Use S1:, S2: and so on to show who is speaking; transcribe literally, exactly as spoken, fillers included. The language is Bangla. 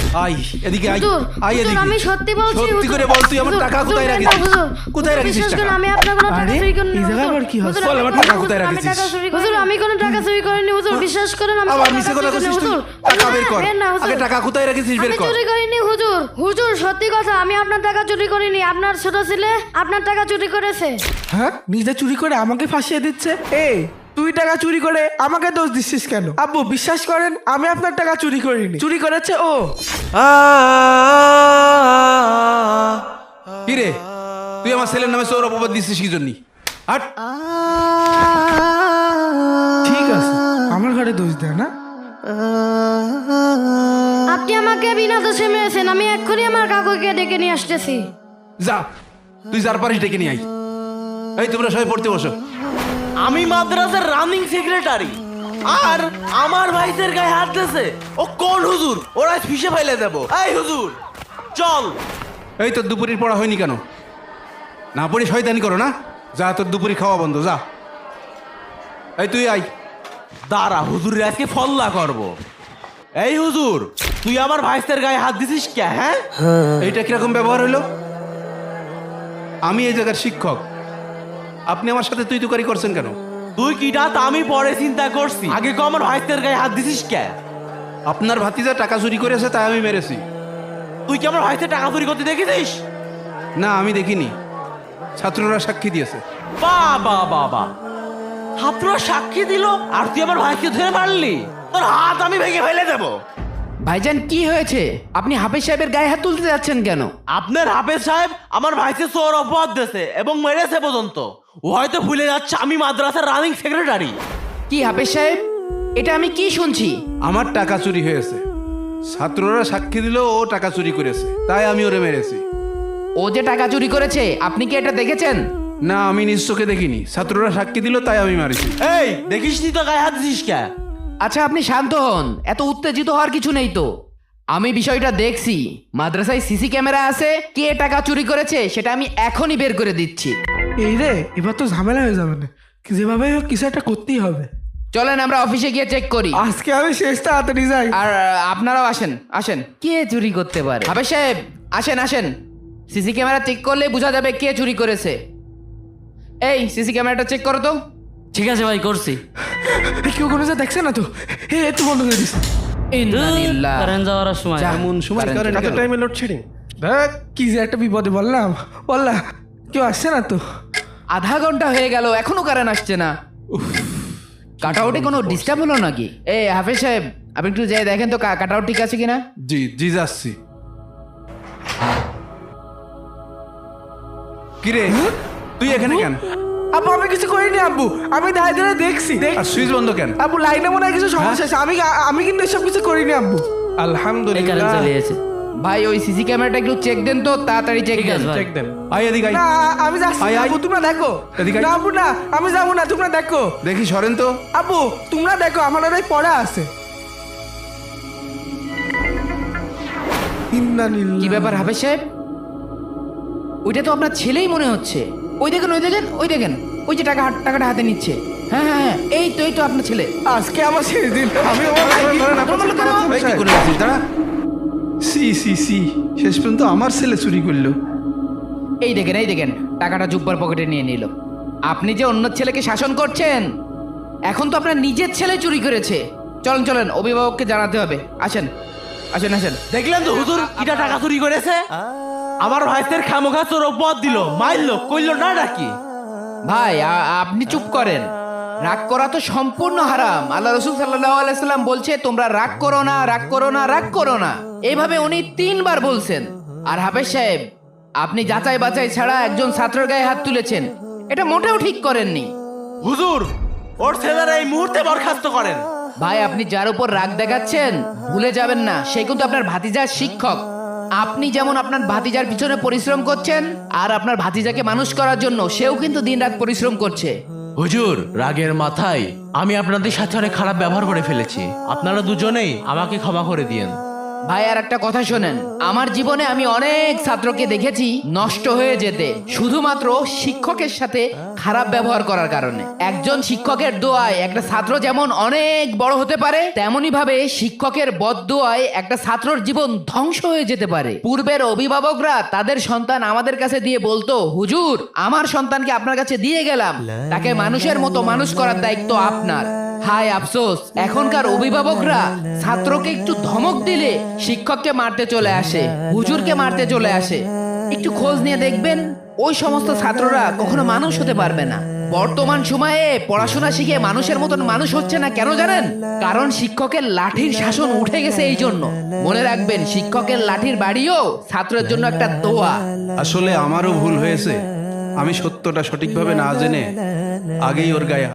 S1: আই এদিকে আই
S2: হুজুর,
S1: আই
S2: হুজুর,
S1: এদিকে
S2: আমি সত্যি বলছি,
S1: সত্যি
S2: হুজুর।
S1: করে বল তুই আমার
S2: হুজুর,
S1: টাকা
S2: হুজুর,
S1: কোথায়
S2: দেন
S1: রাখিস
S2: না, হুজুর।
S1: কোথায় রাখিস
S2: বিশ্বাস করুন,
S1: টাকা
S2: আমি আপনার কোনো টাকা
S3: আরে,
S2: চুরি করিনি,
S3: এই জায়গা
S2: হুজুর।
S3: আবার কি হচ্ছে?
S2: হুজুর,
S1: বল,
S2: আমি
S1: আমার
S2: কোনো-
S1: টাকা
S2: হুজুর,
S1: কোথায়
S2: আমি
S1: রাখিস?
S2: টাকা চুরি হুজুর, আমি কোনো টাকা চুরি করিনি, হুজুর। বিশ্বাস করেন, আমি
S1: আবার
S2: কোনো
S1: মিছে
S2: টাকা
S1: কথা
S2: চুরি করিনি,
S1: কইছিস তুই
S2: হুজুর।
S1: টাকা
S2: হুজুর,
S1: বের কর
S2: দেন না, হুজুর।
S1: আগে টাকা কোথায় রাখিস বের
S2: আমি
S1: কর
S2: চুরি করিনি, হুজুর। হুজুর, সত্যি কথা, আমি আপনার টাকা চুরি করিনি। আপনার ছোট ছেলে আপনার টাকা চুরি করেছে।
S3: হ্যাঁ, নিজে চুরি করে আমাকে ফাঁসিয়ে দিচ্ছে। এই তুই টাকা চুরি করে আমাকে দোষ দিচ্ছিস কেন? আব্বু বিশ্বাস করেন, আমি আপনার টাকা চুরি করিনি, চুরি করেছে ও।
S1: কি রে তুই আমার ছেলের নামে সৌর অপবাদ দিচ্ছিস কি জন্য হাট
S3: ঠিক আছে, আমার ঘরে দোষ দেয় না।
S2: আপনি আমাকে বিনা দোষে মেরেছেন। আমি এক্ষুনি আমার কাকুকে ডেকে নিয়ে আসতেছি।
S1: যা তুই যার পারিস ডেকে নিয়ে আই এই তোমরা সবাই পড়তে বসো
S4: আমি মাদ্রাসার রানিং সেক্রেটারি আর আমার ভাইদের গায়ে হাত দিয়েছে। ও কোন হুজুর? ওরা ফিসে ফেলে দেব। এই হুজুর চল।
S1: এই তোর দুপুরের পড়া হয়নি কেন না পড়ি শয়তানি করো না যা তোর দুপুরি খাওয়া বন্ধ যা এই তুই আই
S4: দাঁড়া, হুজুরের আজকে ফল্লা করব। এই হুজুর, তুই আমার ভাইদের গায়ে হাত দিছিস কে? হ্যাঁ,
S1: এইটা কিরকম ব্যবহার হলো আমি এই জায়গার শিক্ষক আপনি আমার সাথে তুই তুকারি করছেন কেন
S4: তুই কিটা তা আমি পরে চিন্তা করছি, আগে কো আমার ভাইদের গায়ে হাত দিছিস কে?
S1: আপনার ভাতিজা টাকা চুরি করেছে তাই আমি মেরেছি
S4: তুই কি আমার ভাইদের টাকা চুরি করতে দেখেছিস?
S1: না আমি দেখিনি ছাত্ররা সাক্ষী দিয়েছে
S4: বাবা বাবা, ছাত্ররা সাক্ষী দিল আর তুই আমার ভাইকে ধরে মারলি? তোর হাত আমি ভেঙে ফেলে দেবো।
S5: ভাইজান কি হয়েছে? আপনি হাফেজ সাহেবের গায়ে হাত তুলতে যাচ্ছেন কেন?
S4: আপনার হাফেজ সাহেব আমার ভাইকে চোর অপবাদ দিয়েছে এবং মেরেছে পর্যন্ত। ও হয়তো ভুলে যাচ্ছে আমি মাদ্রাসার রানিং সেক্রেটারি।
S5: কি হাফেজ সাহেব, এটা আমি কি শুনছি?
S1: আমার টাকা চুরি হয়েছে ছাত্ররা সাক্ষী দিল ও টাকা চুরি করেছে তাই আমি ওরে মেরেছি
S5: ও যে টাকা চুরি করেছে আপনি কি এটা দেখেছেন?
S1: না আমি নিজ চোখে দেখিনি ছাত্ররা সাক্ষী দিল তাই আমি মারিছি
S4: এই দেখিস নি তো গায়ে হাত দিছিস কে?
S5: আচ্ছা আপনি শান্ত হন, এত উত্তেজিত হওয়ার কিছু নেই তো। আমি বিষয়টা দেখছি, মাদ্রাসায় সিসি ক্যামেরা আছে, কে টাকা চুরি করেছে সেটা আমি এখনই বের করে দিচ্ছি।
S3: এই রে, এবার তো ঝামেলা হয়ে যাবে না, যেভাবে হোক কিছু একটা করতেই হবে।
S5: চলেন আমরা অফিসে গিয়ে চেক করি।
S3: আজকে আমি শেষ তাড়াতাড়ি যাই।
S5: আর আহ, আপনারাও আসেন আসেন। কে চুরি করতে পারে? হাফেজ সাহেব আসেন আসেন, সিসি ক্যামেরা চেক করলে বোঝা যাবে কে চুরি করেছে। এই সিসি ক্যামেরাটা চেক করো তো।
S6: ঠিক আছে ভাই, করছি।
S3: এই, কেউ কোনো যা দেখছে না তো? হে একটু বন্ধ করে দিস।
S5: ইন্নালিল্লাহ।
S6: কারেন্ট যাওয়ার সময়
S5: যা,
S1: এমন সময়
S5: কারেন্ট
S1: কারেন্ট
S5: চলে
S1: গেল।
S5: গেল।
S3: টাইমে লোডশেডিং। দেখ কি যে একটা বিপদে বললাম বললা, কেউ আসছে না তো?
S5: আধা ঘন্টা হয়ে গেল এখনো কারেন্ট আসছে না। কাট আউটে কোনো ডিস্টার্ব হলো নাকি? এই হাফেজ সাহেব আপনি একটু যাই দেখেন তো কাট আউট ঠিক আছে কিনা।
S1: জি জি যাচ্ছি কিরে তুই এখানে কেন
S3: আব্বু আমি কিছু করিনি আব্বু, আমি দাঁড়িয়ে দাঁড়িয়ে দেখছি।
S1: আর সুইচ বন্ধ কেন
S3: আব্বু লাইনে মনে হয় কিছু সমস্যা আছে, আমি আমি কিন্তু এসব কিছু করিনি আব্বু।
S6: এই কারেন্ট
S1: আলহামদুলিল্লাহ
S6: চলে গেছে।
S5: ভাই ওই সিসি ক্যামেরাটা একটু চেক দেন তো, তাড়াতাড়ি চেক
S6: ঠিক
S5: দেন।
S6: আছে ভাই।
S1: চেক দেন আই এদিকে আই
S3: না আমি যাচ্ছি
S1: আয়,
S3: না,
S1: আয়।
S3: আব্বু তোমরা দেখো।
S1: এদিকে আয়।
S3: না আব্বু না, আমি যাবো না, তোমরা দেখো।
S1: দেখি সরেন তো
S3: আব্বু তোমরা দেখো, আমার ওরাই পড়া আছে।
S5: কি ব্যাপার হাফেজ সাহেব? ওইটা তো আপনার ছেলেই মনে হচ্ছে। ওই দেখেন ওই দেখেন ওই দেখেন ওই যে টাকা হাত- টাকাটা হাতে নিচ্ছে। হ্যাঁ হ্যাঁ হ্যাঁ, এই তো এই তো আপনার ছেলে।
S3: আজকে আমার শেষ দিন, আমি
S1: এই কি করে আছিস দাঁড়া সি সি সি শেষ পর্যন্ত আমার ছেলে চুরি করলো
S5: এই দেখেন এই দেখেন টাকাটা জুব্বার পকেটে নিয়ে নিল। আপনি যে অন্য ছেলেকে শাসন করছেন, এখন তো আপনার নিজের ছেলে চুরি করেছে। চলেন চলেন অভিভাবককে জানাতে হবে। আসেন আসেন আসেন।
S4: দেখলেন তো হুজুর কিটা টাকা চুরি করেছে? আমার ভাইদের খামোখা চোর অপবাদ দিল, মারলো, কইলো না নাকি?
S5: ভাই আ- আপনি চুপ করেন। রাগ করা তো সম্পূর্ণ হারাম। আল্লাহ রসুল সাল্লাল্লাহু আলাইহি সাল্লাম বলছে তোমরা রাগ করো না, রাগ করো না, রাগ করো না। এইভাবে উনি তিনবার বলছেন। আর হাফেজ সাহেব আপনি যাচাই বাছাই ছাড়া একজন ছাত্রের গায়ে হাত তুলেছেন, এটা মোটেও ঠিক করেননি।
S4: হুজুর ওর ছেলেরা এই মুহূর্তে বরখাস্ত করেন।
S5: ভাই আপনি যার উপর রাগ দেখাচ্ছেন ভুলে যাবেন না সে কিন্তু আপনার ভাতিজার শিক্ষক। আপনি যেমন আপনার ভাতিজার পিছনে পরিশ্রম করছেন, আর আপনার ভাতিজাকে মানুষ করার জন্য সেও কিন্তু দিনরাত পরিশ্রম করছে।
S4: হুজুর রাগের মাথায় আমি আপনাদের সাথে অনেক খারাপ ব্যবহার করে ফেলেছি, আপনারা দুজনেই আমাকে ক্ষমা করে দিয়েন।
S5: ভাই আর একটা কথা শোনেন, আমার জীবনে আমি অনেক ছাত্রকে দেখেছি নষ্ট হয়ে যেতে শুধুমাত্র শিক্ষকের সাথে খারাপ ব্যবহার করার কারণে। একজন শিক্ষকের দোয়ায় একটা ছাত্র যেমন অনেক বড় হতে পারে, তেমনি ভাবে শিক্ষকের বদদোয়ায় একটা ছাত্রর জীবন ধ্বংস হয়ে যেতে পারে। পূর্বের অভিভাবকরা তাদের সন্তান আমাদের কাছে দিয়ে বলতো, হুজুর আমার সন্তানকে আপনার কাছে দিয়ে গেলাম, তাকে মানুষের মতো মানুষ করার দায়িত্ব আপনার। হায় আফসোস, এখনকার অভিভাবকরা ছাত্রকে একটু ধমক দিলে শিক্ষককে মারতে চলে আসে, হুজুরকে মারতে চলে আসে। একটু খোঁজ নিয়ে দেখবেন ওই সমস্ত ছাত্ররা কখনো মানুষ হতে পারবে না। বর্তমান সময়ে পড়াশোনা শিখে মানুষের মতন মানুষ হচ্ছে না, কেন জানেন? কারণ শিক্ষকের লাঠির শাসন উঠে গেছে। এই জন্য মনে রাখবেন, শিক্ষকের লাঠির বাড়িও ছাত্রের জন্য একটা দোয়া।
S1: আসলে আমারও ভুল হয়েছে, আমি সত্যটা সঠিকভাবে না জেনে আগেই ওর গায়ে